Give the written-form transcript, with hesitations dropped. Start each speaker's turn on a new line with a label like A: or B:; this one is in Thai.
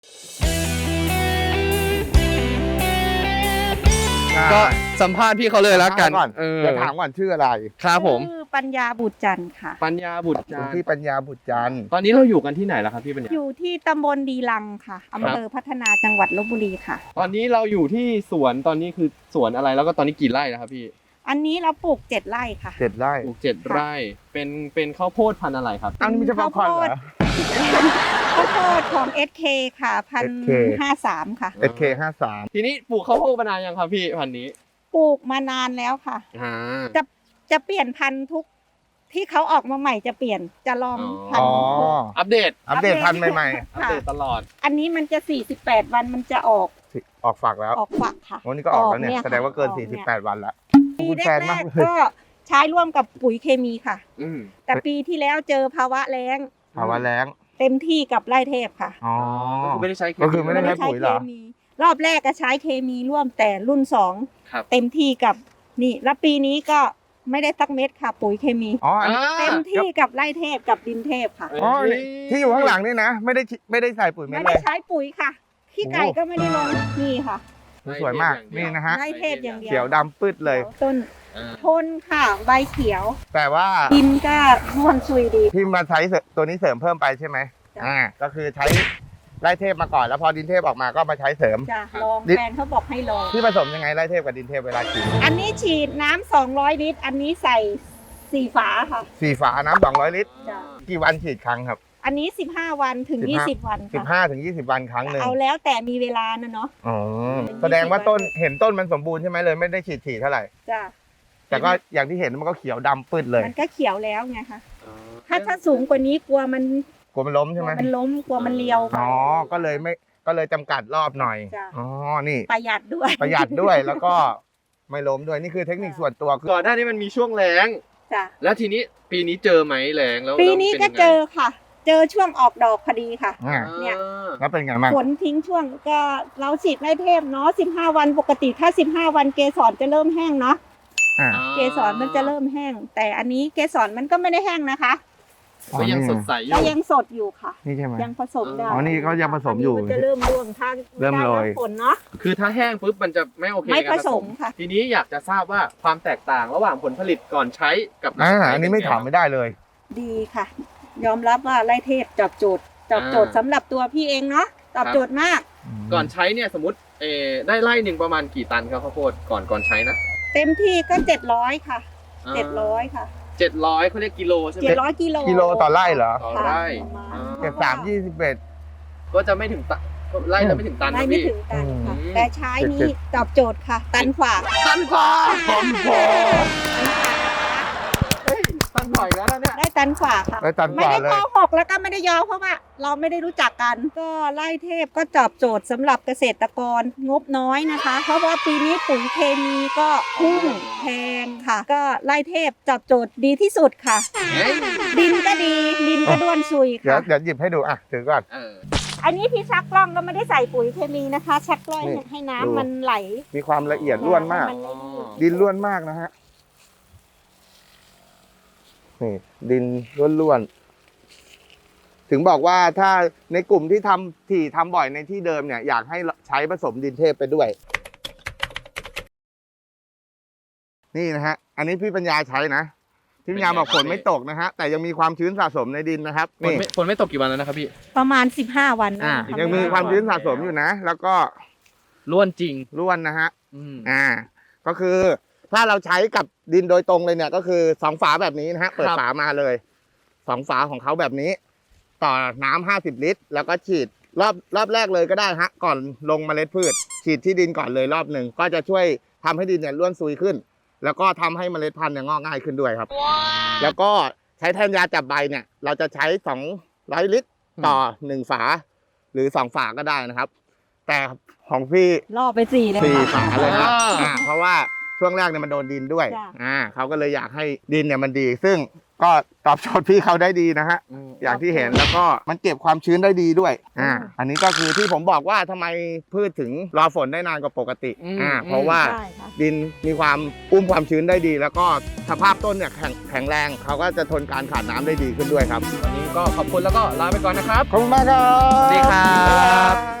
A: ก็สัมภาษณ์พี่เขาเลยแล้วกัน
B: จะถามก่อนชื่ออะไร
A: ครับผม
C: ชื่อปัญญาบุตรจันทร์ค่ะ
A: ปัญญาบุตรจันทร์
B: พี่ปัญญาบุตรจันทร์
A: ตอนนี้เราอยู่กันที่ไหนแล้วครับพี่ปัญญา
C: อยู่ที่ตำบลดีลังค่ะอำเภอพัฒนาจังหวัดลพบุรีค่ะ
A: ตอนนี้เราอยู่ที่สวนตอนนี้คือสวนอะไรแล้วก็ตอนนี้กี่ไร่นะครับพี่
C: อันนี้เราปลูก7 ไร่ค่ะ
B: 7 ไร่
A: ปลูก7 ไร่เป็นข้าวโพดพันธุ์อะไรครับ
B: อันนี้ไม่ใช่ป๊อปคอร์นเหรอ
C: ข้าวโพดของ SK ค่ะ1,053 ค่ะ
B: SK 53
A: ทีนี้ปลูกข้าวโพดมานานยังครับพี่พันธุ์นี้
C: ปลูกมานานแล้วค่ะ จะเปลี่ยนพันธุ์ทุกที่เขาออกมาใหม่จะเปลี่ยนจะลองพัน
B: อ๋อ
C: ธุ์
A: อัปเดต
B: อัปเดตพันธุ์ใหม่
A: อัปเดตตลอด
C: อันนี้มันจะ48 วันมันจะออก
B: ๆ ออกฝักแล้ว
C: ออกฝักค่ะ
B: วันนี้ก็ออกแล้วเนี่ย
C: ออกเนี่ย
B: แสดงว่าเกิน
C: ออกเนี่ย
B: 48 วันละ
C: ปี
B: คุณ
C: แร
B: แฟนมาก
C: ก
B: เลย
C: ๆก็ใช้ร่วมกับปุ๋ยเคมีค่ะ
A: อืม
C: แต่ปีที่แล้วเจอภาวะแล้ง
B: ภาวะแล้ง
C: เต็มที่กับไร่เทพค่ะ
B: อ๋อ
A: ก็คือไม่ได้ใช้
B: ก็คือไม่ได้ใช้ปุ๋ยเหรอ
C: มีรอบแรกก็ใช้เคมีร่วมแต่รุ่น
A: ครับ
C: 2 เต็มที่กับนี่แล้วปีนี้ก็ไม่ได้สักเม็ดค่ะ ปุ๋ยเคมี
B: อ๋ออันนี้
C: เต็มที่กับไร่เทพกับดินเทพค่ะ
B: อ๋อที่อยู่ข้างหลังนี่นะ ไม่ได้ใส่ปุ๋ยเม็
C: ไม่
B: ดเล
C: ได้
B: ย
C: ใช้ปุ๋ยค่ะขี้ไก่ก็ไม่ได้ลงนี่ค่ะ
B: สวยมากนี่นะฮะ
C: ไร่เทพอย่างเดียว
B: เขียวดำปืดเลย
C: ต้น
A: อ่า
C: ทนค่ะใบเขียว
B: แต่ว่า
C: ดินก็ร่วนซุยดี
B: พี่มาใช้ตัวนี้เสริมเพิ่มไปใช่ไหม
C: จ้ะ
B: ก็คือใช้ไร่เทพมาก่อนแล้วพอดินเทพออกมาก็มาใช้เสริม
C: จะลอง
B: ดิ
C: แฟนเขาบอกให้ลอง
B: พี่ผสมยังไงไร่เทพกับดินเทพเวลาฉีด
C: อันนี้ฉีดน้ำ200 ลิตร อันนี้ใส่4 ฝาค่ะ
B: 4 ฝาน้ำ200 ลิตร
C: จ้ะ
B: กี่วันฉีดครั้งครับ
C: อันนี้15 วันถึง
B: 15
C: 20 วันค่ะ
B: 15 ถึง 20 วันครั้งหนึ่ง
C: เอาแล้วแต่มีเวลานะเนาะ
B: อ๋อแสดงว่าต้นเห็นต้นมันสมบูรณ์ใช่ไหมเลยไม่ได้ฉีดถี่เท่าไหร่
C: จ้ะ
B: แต่ก็อย่างที่เห็นมันก็เขียวดำปืดเลย
C: มันก็เขียวแล้วไงคะถ้าสูงกว่านี้กลัวมัน
B: กลัวมันล้มใช่ไหม
C: มันล้มกลัวมันเลียว
B: อ๋อก็เลยจำกัดรอบหน่อย
C: จ้ะ
B: อ๋อนี่
C: ประหยัดด้วย
B: ประหยัดด้วยแล้วก็ไม่ล้มด้วยนี่คือเทคนิคส่วนตัวคือ
A: ก่อนหน้านี้มันมีช่วงแล้ง
C: จ้ะ
A: แล้วทีนี้ปีนี้เจอไหมแล้งแล้ว
C: ปีนี้ก็
A: แล้วป็
C: เจ
A: ยัง
C: อ
A: ไง
C: ค่ะ เจอช่วงออกดอกพอดีค่ะ
B: อ่า
C: เนี่ย
B: แล้วเป็นไงบ้าง
C: ฝนทิ้งช่วงก็เราฉีดไร่เทพเนาะ15 วันปกติถ้า15 วันเกสรจะเริ่มแห้งเนาะ
B: อ่า
C: เกสรมันจะเริ่มแห้ง แต่อันนี้เกสรมันก็ไม่ได้แห้งนะคะ
A: ก็ยังสดใสอ
C: ก็
A: ยู่
C: ยังสดอยู่ค่ะ
B: นี่ใช่ไหม
C: ยังผสมได้
B: อ๋อนี่เขายังผสมอยู่
C: นนี้มันจะเริ่มร่วงทาง
B: เริ่มโรย
C: ฝนเนาะ
A: คือถ้าแห้งปุ๊บมันจะไม่โอเค
C: ไม่
A: กับ
C: ผสมค่ะ
A: ทีนี้อยากจะทราบว่าความแตกต่างระหว่างผลผลิตก่อนใช้กับหลังใช้
B: อันนี้ไม่ถามไม่ได้เลย
C: ดีค่ะ ยอมรับว่าไร่เทพตอบโจทย์สำหรับตัวพี่เองเนาะตอบโจทย์มาก
A: ก่อนใช้เนี่ยสมมติได้ไร่หนึ่งประมาณกี่ตันครับข้าวโพดก่อนใช้นะ
C: เต็มที่ก็700ค่ะ700ค่ะ
A: 700เขาเรียกกิโลใช่ไหม
C: 700 กิโล
B: กิโลต่อไร่เหรอ
A: ต่อไร่
C: ค่ะ
B: 73 21
A: ก็จะไม่ถึงตันไร่จะไม่ถึงตัน
C: ไม่
A: นะ
C: ไม่
A: พี่
C: ถึงตันค่ะ
A: อืม
C: แต่ใช้นี้ตอบโจทย์ค่ะ ตันขวา
A: ตันกว่า
B: ตันกว่า
A: เฮ้ยตันบ่อยแล้วนะเนี่ย
C: ได้ตันขวาค่ะ
B: ได้ตันก
C: ไม่
B: ว่า
C: ได้
B: เล
C: โก
B: ย
C: หกแล้วก็ไม่ได้ยอเพราะว่าเราไม่ได้รู้จักกัน ก็ไร่เทพก็ตอบโจทย์สำหรับเกษตรกรงบน้อยนะคะ เพราะว่าปีนี้ปุ๋ยเคมีก็พุ่งแพงค่ะ ก็ไร่เทพตอบโจทย์ดีที่สุดค่ะ ดินก็ดีดินก็ด้วนซุย
B: เดี๋ยว
C: ค่ะ
B: เดี๋ยวหยิบให้ดูอ่ะถือก่อน
C: อันนี้ที่ชักกล้องก็ไม่ได้ใส่ปุ๋ยเคมีนะคะ ชักกล้อง
B: นี่
C: ให้
B: ดู
C: น้ำมันไหล
B: มีความละเอียดล้วนมาก
C: นไม่นิ่ง
B: ดินล้วนมากนะฮะนี่ดินล้วนๆถึงบอกว่าถ้าในกลุ่มที่ทำบ่อยในที่เดิมเนี่ยอยากให้ใช้ผสมดินเทพไปด้วย นี่นะฮะ อันนี้พี่ปัญญาใช้นะพี่ปัญญาบอกฝนไม่ตกนะฮะแต่ยังมีความชื้นสะสมในดินนะครับนี่
A: ฝนไม่ตกกี่วันแล้วนะครับพี่
C: ประมาณ15 วัน
B: ยังมีความชื้นสะสมอยู่นะ แล้วก็
A: ล้วนจริง
B: ล้วนนะฮะ
A: อืม
B: ก็คือถ้าเราใช้กับดินโดยตรงเลยเนี่ย ก็คือ2 ฝาแบบนี้นะฮะเปิด
A: ครับ
B: ฝามาเลย2 ฝาของเขาแบบนี้ ต่อน้ำ50 ลิตร แล้วก็ฉีดรอบแรกเลยก็ได้ฮะก่อนลงเมล็ดพืช ฉีดที่ดินก่อนเลยรอบหนึ่งก็จะช่วยทำให้ดินเนี่ยร่วนซุยขึ้น แล้วก็ทำให้เมล็ดพันธุ์เนี่ยงอกง่ายขึ้นด้วยครับ แล้วก็ใช้แทนยาจับใบเนี่ย เราจะใช้200 ลิตร ต่อ1 ฝา หรือ2 ฝาก็ได้นะครับ แต่ของพี่
C: ล่อไป4เลย
B: 4 ฝาเลยครับเพราะว่าช่วงแรกเนี่ยมันโดนดินด้วย
C: จ้ะ
B: เขาก็เลยอยากให้ดินเนี่ยมันดี ซึ่งก็ตอบโจทย์พี่เขาได้ดีนะฮะอย่างที่เห็นแล้วก็มันเก็บความชื้นได้ดีด้วยอันนี้ก็คือที่ผมบอกว่าทำไมพืชถึงรอฝนได้นานกว่าปกติเพราะว่า
C: ใช่ค่ะ
B: ดินมีความอุ้มความชื้นได้ดี แล้วก็สภาพต้นเนี่ยแข็งแรงเขาก็จะทนการขาดน้ำได้ดีขึ้นด้วยครับ
A: วันนี้ก็ขอบคุณแล้วก็ลาไปก่อนนะครับ
B: ขอบคุณมากครับ
A: สวัสดีครับ